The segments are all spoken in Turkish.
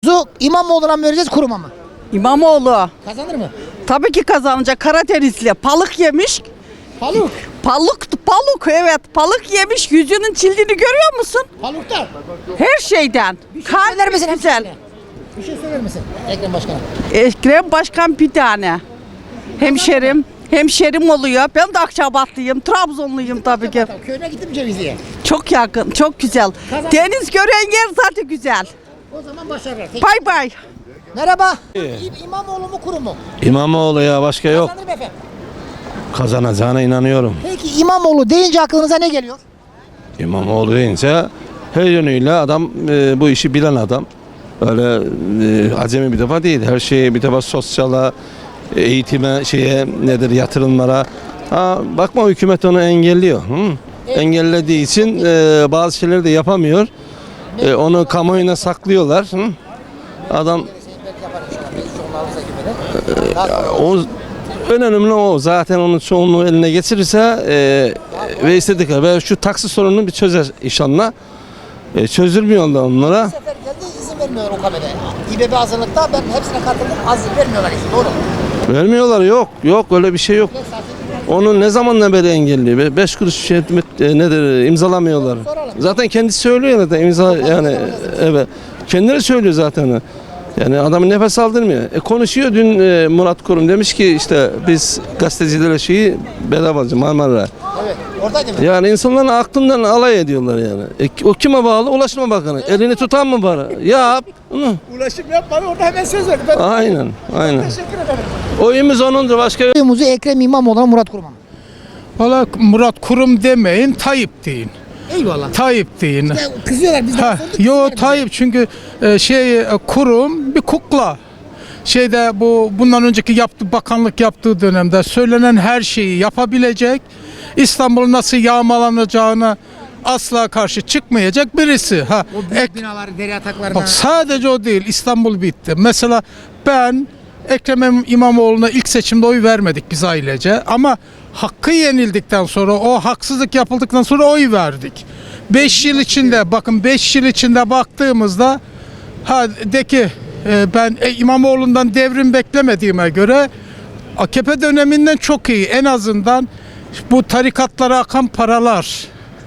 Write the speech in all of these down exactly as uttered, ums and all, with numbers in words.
Zu İmamoğlu'na mı vereceğiz, Kurum'a mı? İmamoğlu. Kazanır mı? Tabii ki kazanacak. Karadenizli. Balık yemiş. Paluk. Balık, balık evet. Balık yemiş. Yüzünün çildiğini görüyor musun? Paluk'ta. Her şeyden. Bir şey söyler misin güzel. hemşehrine? Bir şey söyler misin Ekrem Başkan'a? Ekrem Başkan bir tane. Hemşerim. Hemşerim oluyor. Ben de Akçabatlıyım. Trabzonluyum tabii ki. Köyüne gittim Cevizli'ye. Çok yakın. Çok güzel. Kazan- Deniz gören yer zaten güzel. O zaman başarılar. Tek- Bay bay. Merhaba. İ- İmamoğlu mu, Kurum mu? İmamoğlu ya, başka yok. Kazanır mı efendim? Kazanacağına inanıyorum. Peki İmamoğlu deyince aklınıza ne geliyor? İmamoğlu deyince her yönüyle adam, e, bu işi bilen adam. Öyle e, acemi bir defa değil. Her şeye bir defa, sosyala, eğitime, şeye nedir, yatırımlara. Ha, bakma, hükümet onu engelliyor. Hı? Engellediği için e, bazı şeyleri de yapamıyor. E, onu kamuoyuna saklıyorlar. Hı? Adam o en önemli o. Zaten onun çoğunluğu eline geçirirse e, ve istedik ve şu taksi sorununu bir çözer inşallah. E, çözülmüyor da onlara. Bu sefer geldi, izin vermiyorlar o kameraya. İBB hazırlıkta, ben hepsine katıldım, az vermiyorlar izin, doğru mu? Vermiyorlar, yok. Yok, öyle bir şey yok. Onu ne zamandan beri engelliyor? Beş kuruş şey, e, nedir, imzalamıyorlar. Zaten kendisi söylüyor zaten, imza yani, evet. Kendileri söylüyor zaten. Yani adamın nefes aldırmıyor. E, konuşuyor dün e, Murat Kurum demiş ki işte biz gazetecilere şeyi bedava alacağız, Marmara. Evet, oradaydı mı? Yani insanların aklından alay ediyorlar yani. E, o kime bağlı? Ulaştırma Bakanı. Elini tutan mı var? Yap. Hı. Ulaşım yapmadı, orada hemen söz verdi. Ben Aynen, aynen. teşekkür ederim. Oyumuz onundur, başka yok. Oyumuzu Ekrem İmamoğlu'na, Murat Kurum'a mı? Valla Murat Kurum demeyin, Tayyip deyin. Eyvallah. Tayyip deyin. Ya, kızıyorlar biz de. Ha, sorduk, yo kızıyorlar bize. Tayyip çünkü e, şey e, Kurum bir kukla. Şeyde bu bundan önceki yaptığı bakanlık yaptığı dönemde söylenen her şeyi yapabilecek. İstanbul'un nasıl yağmalanacağını asla karşı çıkmayacak birisi. Ha, O büyük ek- binaları, deri ataklarına. Bak sadece o değil, İstanbul bitti. Mesela ben Ekrem İmamoğlu'na ilk seçimde oy vermedik biz ailece ama hakkı yenildikten sonra, o haksızlık yapıldıktan sonra oy verdik. beş yıl içinde, bakın beş yıl içinde baktığımızda ha de ki e, ben e, İmamoğlu'ndan devrim beklemediğime göre A K P döneminden çok iyi. En azından bu tarikatlara akan paralar,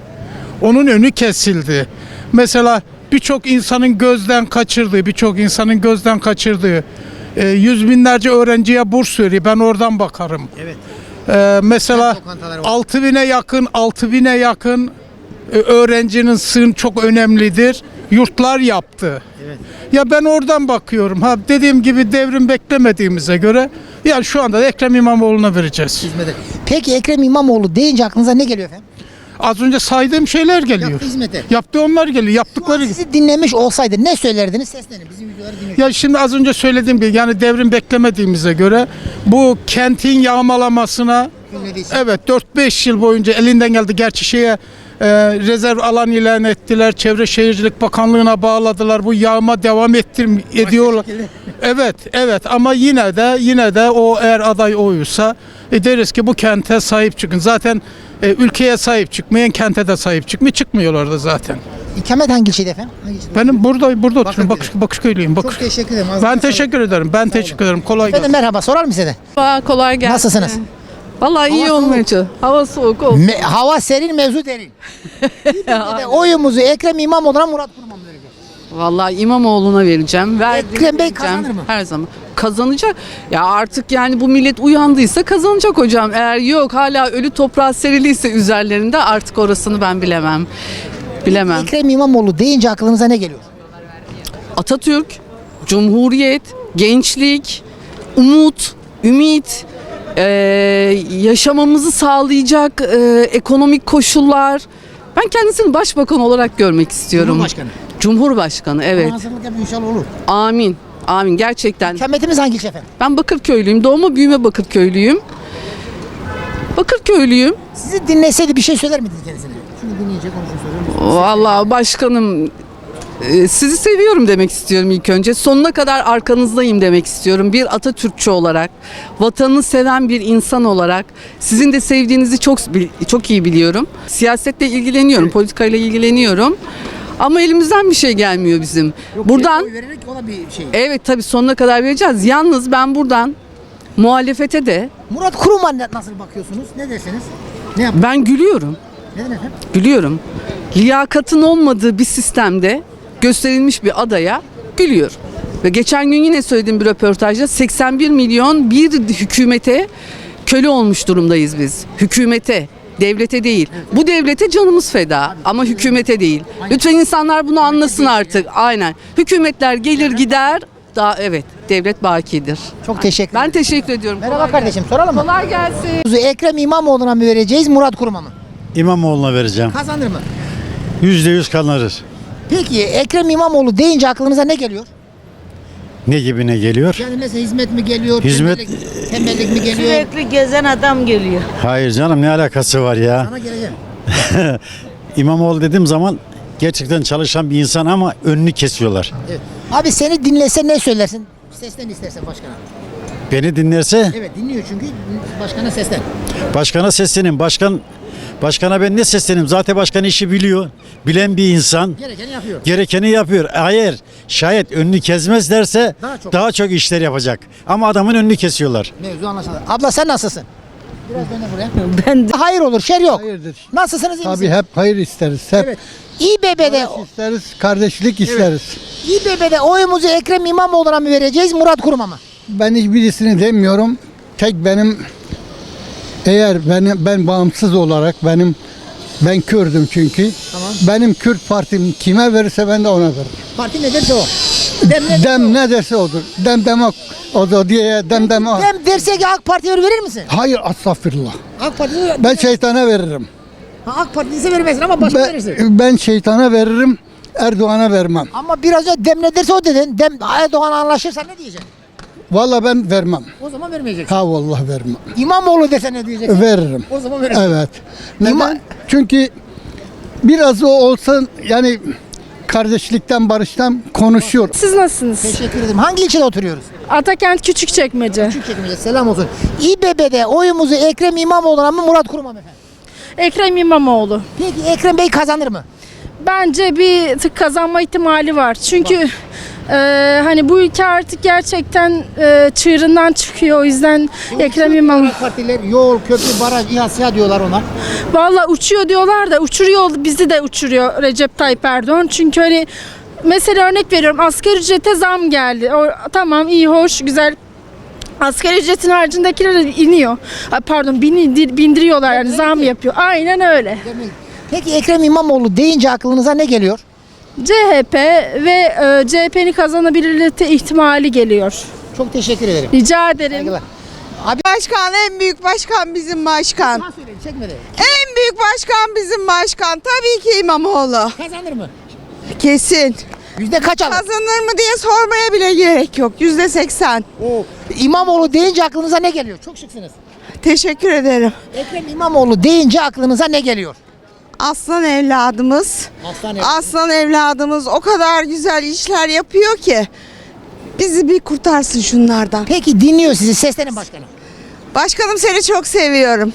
onun önü kesildi. Mesela birçok insanın gözden kaçırdığı, birçok insanın gözden kaçırdığı e, yüz binlerce öğrenciye burs veriyor. Ben oradan bakarım. Evet. E, mesela Kent lokantaları var. altı bine yakın, altı bine yakın e, öğrencinin sığın çok önemlidir. Yurtlar yaptı. Evet. Ya ben oradan bakıyorum. Ha dediğim gibi devrim beklemediğimize göre yani şu anda da Ekrem İmamoğlu'na vereceğiz. Hizmete. Peki Ekrem İmamoğlu deyince aklınıza ne geliyor efendim? Az önce saydığım şeyler geliyor. Yaptığı hizmeti. Yaptığı onlar geliyor. Şu an Yaptıkları. sizi dinlemiş olsaydı ne söylerdiniz? Seslenin. Bizim videoları dinliyoruz. Ya şimdi az önce söylediğim gibi yani devrim beklemediğimize göre bu kentin yağmalamasına Dinlediyse. evet dört beş yıl boyunca elinden geldi. Gerçi şeye e, rezerv alan ilan ettiler. Çevre Şehircilik Bakanlığı'na bağladılar. Bu yağma devam ettir ediyorlar. şekilde. Evet, evet ama yine de yine de o eğer aday oysa e, deriz ki bu kente sahip çıkın. Zaten e, ülkeye sahip çıkmayan kente de sahip çıkmıyor. Çıkmıyorlar da zaten. İkamet hangi ilçede efendim? Hangi ilçede? Benim burada burada oturuyorum. Bakış, Bakırköy'de. Bakışköylüyüm. Bakış. Çok teşekkür ederim. Ben Ağzınıza teşekkür ederim. Ben teşekkür ederim. Kolay Efendim gelsin. merhaba, sorar mı size de? Merhaba, kolay gelsin. Nasılsınız? Vallahi iyi Hava olmaya çalışıyor. Hava soğuk olsun. Me- hava serin, mevzu derin. İBB'de oyumuzu Ekrem İmamoğlu'na, Murat Kurum'a mı vereceğiz? Vallahi İmamoğlu'na vereceğim. Verdim, Ekrem Bey vereceğim. kazanır mı? Her zaman. Kazanacak. Ya artık yani bu millet uyandıysa kazanacak hocam. Eğer yok hala ölü toprağa seriliyse üzerlerinde artık orasını ben bilemem. Bilemem. Ekrem İmamoğlu deyince aklınıza ne geliyor? Atatürk, Cumhuriyet, gençlik, umut, ümit, eee, yaşamamızı sağlayacak eee, ekonomik koşullar. Ben kendisini başbakan olarak görmek istiyorum. Cumhurbaşkanı. Cumhurbaşkanı, evet. Hazırlık yapın, inşallah olur. Amin. Amin gerçekten. İkametimiz hangi ilçe efendim? Ben Bakırköylüyüm. Doğma büyüme Bakırköylüyüm. Bakırköylüyüm. Sizi dinleseydi bir şey söyler miydiniz kendisine? Şunu dinleyecek, konuşun soruyorum. Vallahi başkanım e, sizi seviyorum demek istiyorum ilk önce. Sonuna kadar arkanızdayım demek istiyorum. Bir Atatürkçü olarak, vatanını seven bir insan olarak sizin de sevdiğinizi çok çok iyi biliyorum. Siyasetle ilgileniyorum, politikayla ilgileniyorum. Ama elimizden bir şey gelmiyor bizim. Buradan Oy vererek ona bir şey. evet tabii sonuna kadar vereceğiz. Yalnız ben buradan muhalefete de Murat Kurum'a ne- nasıl bakıyorsunuz? Ne dersiniz? Ne yap? ben gülüyorum. Neden efendim? Gülüyorum. Liyakatın olmadığı bir sistemde gösterilmiş bir adaya gülüyor. Ve geçen gün yine söylediğim bir röportajda seksen bir milyon bir hükümete köle olmuş durumdayız biz. Hükümete, devlete değil. Bu devlete canımız feda ama hükümete değil. Lütfen insanlar bunu anlasın artık. Aynen. Hükümetler gelir gider. Daha evet, devlet bakidir. Çok teşekkür Ben ederim. teşekkür ediyorum. Merhaba Kolay kardeşim, gelsin. soralım mı? Kolay gelsin. Ekrem İmamoğlu'na mı vereceğiz, Murat Kurum'a mı? İmamoğlu'na vereceğim. Kazanır mı? Yüzde yüz kazanır. Peki Ekrem İmamoğlu deyince aklınıza ne geliyor? Ne gibi ne geliyor? Yani mesela hizmet mi geliyor? Hizmet- Tembellik, tembellik mi geliyor? Sürekli gezen adam geliyor. Hayır canım ne alakası var ya? Sana geleceğim. İmamoğlu dediğim zaman gerçekten çalışan bir insan ama önünü kesiyorlar. Evet. Abi seni dinlese ne söylersin? Seslen istersen başkana. Beni dinlerse Evet dinliyor çünkü başkana seslen. başkana seslenin. Başkan Başkana ben ne seslenim? Zaten başkan işi biliyor. Bilen bir insan. Gerekeni yapıyor. Gerekeni yapıyor. Hayır, şayet önünü kesmezlerse Daha çok. daha çok işler yapacak. Ama adamın önünü kesiyorlar. Mevzu anlaşıldı. Abla sen nasılsın? Biraz döne buraya. Ben de Hayır olur, şer yok. Hayırdır. Nasılsınız iyi Tabii misiniz? hep hayır isteriz. Hep Evet. İBB'de barış isteriz, kardeşlik isteriz. İBB'de oyumuzu Ekrem İmamoğlu'na mı vereceğiz, Murat Kurum'a mı? Ben hiçbirisini demiyorum. Tek benim eğer benim ben bağımsız olarak benim ben Kürdüm çünkü. Tamam. Benim Kürt partim kime verirse ben de ona veririm. Parti ne derse o. Dem ne Dem ne derse odur. Dem demek odur diye dem dem. Dem derse ki AK Parti'ye verir misin? Hayır estağfurullah. AK Parti'ye Ben şeytana veririm. Ha, AK Parti'yi ise vermezsin ama başka verirsin. Ben, ben şeytana veririm. Erdoğan'a vermem. Ama biraz önce dem ne derse o dedin. Dem Erdoğan anlaşırsa ne diyeceksin? Vallahi ben vermem. O zaman vermeyeceksin. Ha vallahi vermem. İmamoğlu dese ne diyeceksin? Veririm. O zaman verirsin. Evet. İma- Neden? Çünkü biraz o olsa yani kardeşlikten, barıştan konuşuyor. Siz nasılsınız? Teşekkür ederim. Hangi ilçede oturuyoruz? Atakent Küçükçekmece. Küçükçekmece. Selam olsun. İBB'de oyumuzu Ekrem İmamoğlu'na mı, Murat Kurum'a mı efendim? Ekrem İmamoğlu. Peki Ekrem Bey kazanır mı? Bence bir tık kazanma ihtimali var. Çünkü e, hani bu ülke artık gerçekten e, çığırından çıkıyor. O yüzden Ekrem İmamoğlu. Partiler yol, köprü, baraj, İHA, SİHA diyorlar ona. Valla uçuyor diyorlar da uçuruyor, bizi de uçuruyor Recep Tayyip Erdoğan. Çünkü hani mesela örnek veriyorum, asgari ücrete zam geldi. O, tamam iyi hoş güzel. Asgari ücretin haricindekiler de iniyor. Ay, pardon bindir, bindiriyorlar yani zam yapıyor. Aynen öyle. Peki Ekrem İmamoğlu deyince aklınıza ne geliyor? C H P ve e, C H P'nin kazanabilirliği ihtimali geliyor. Çok teşekkür ederim. Rica ederim. Saygılar. Abi Başkan en büyük başkan bizim başkan. Bana söyleyin, çekmedi. En büyük başkan bizim başkan. Tabii ki İmamoğlu. Kazanır mı? Kesin. Yüzde kaç alır? Kazanır mı diye sormaya bile gerek yok. Yüzde seksen. Oo. İmamoğlu deyince aklınıza ne geliyor? Çok şıksınız. Teşekkür ederim. Ekrem İmamoğlu deyince aklınıza ne geliyor? Aslan evladımız. Aslan Aslan evladımız o kadar güzel işler yapıyor ki. Bizi bir kurtarsın şunlardan. Peki dinliyor sizi. Seslenin başkanım. Başkanım seni çok seviyorum.